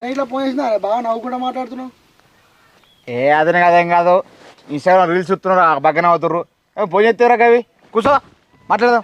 ఇట్లా ఫోన్ చేసిన బాగా నవ్వుకుండా మాట్లాడుతున్నావు. అదనే కదేం కాదు. ఇన్స్టాగ్రామ్ రీల్స్ చూస్తున్నారు, బగ్గన అవుతుర్రు. ఫోన్ చేస్తారా కవి? కూర్చో మాట్లాడదాం.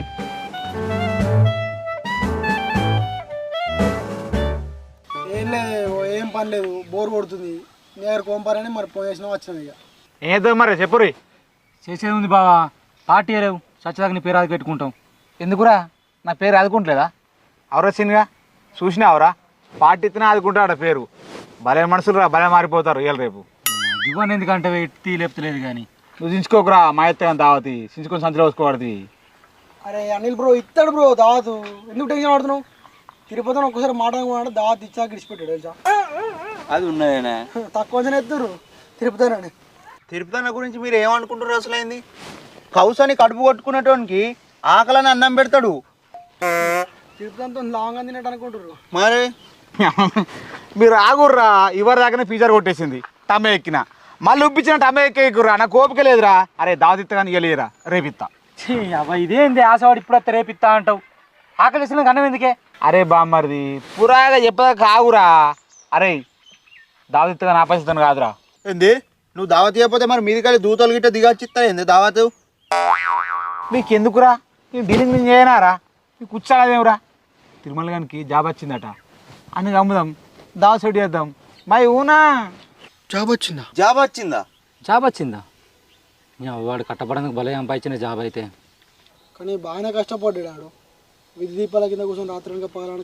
ఏం లేదు, ఏం పని లేదు, బోర్ కొడుతుంది. నేను కోంపారని మరి ఫోన్ చేసినా వచ్చినాం. ఇక ఏదో మరి చెప్పురి. చేసేది ఉంది బావా, పార్టీ లేవు, సచ్చదాకా నీ పేరు అది పెట్టుకుంటాం. ఎందుకురా నా పేరు ఆదుకుంటలేదా? అవరా సీన్గా చూసినావురా, పార్టీ ఇతనే ఆదుకుంటాడు పేరు. భలే మనుషులు రా, భలే మారిపోతారు ఇవాళ రేపు. ఇవ్వని ఎందుకంటే ఎత్తి లేపుతలేదు కానీ నువ్వు దించుకోకురా, మా ఎత్తే దావతి చించుకొని సంచులో వేసుకోకూడదు. అరే అనిల్ బ్రో ఇస్తాడు బ్రో దావతు, ఎందుకు టెన్షన్ పడుతున్నావు? తిరుపతిని ఒక్కసారి మాట దావత్ ఇచ్చాక ఇడిచిపెట్టాడు తెలుసా. అది ఉన్నదేనా? తక్కువ ఎత్తురు తిరుపతి. తిరుపతి గురించి మీరు ఏమనుకుంటారు? అసలు అయింది కౌసని కడుపు కొట్టుకునేటోనికి ఆకలని అన్నం పెడతాడు. తిరుపతితో లాంగ్ తినట్టు అనుకుంటారు. మరి మీరు ఆగుర్రా, ఇవరి దాకానే ఫీజర్ కొట్టేసింది. టమే ఎక్కిన మళ్ళీ ఉప్పించిన టమే ఎక్కేకుర్రా, నాకు ఓపిక లేదురా. అరే దావతిత్త కానీ ఇవ్వలేదురా, రేపిత్తా. అవ్వ ఇదేంది ఆశవాడు ఇప్పుడు వస్తే రేపిస్తా అంటావు? ఆకలి వేసిన అన్నం ఎందుకే? అరే బామ్మరిది పురాగా చెప్పదాకా ఆగురా. అరే దావతిత్తగా నా పరిస్థితి కాదురా. ఏంది నువ్వు దావత్ చేయకపోతే మరి మీది కానీ దూతలు గిట్ట దిగచ్చిస్తా ఏంది దావత్? మీకు ఎందుకురా, నేను డీలింగ్ నేను చేయనారా? మీకు కూర్చోలేదేమిరా? తిరుమల గారికి జాబ్ వచ్చిందట, అందుకు అమ్ముదాం, దావ సెట్ చేద్దాం. మై ఊనా జాబ్ వచ్చిందా? జాబ్ వచ్చిందా? జాబ్ వచ్చిందా? వాడు కట్టబడడానికి భలే సంపాదించిన జాబ్ అయితే. కానీ బాగానే కష్టపడ్డాడు. విధి దీపాల కింద కూర్చొని రాత్రి పగల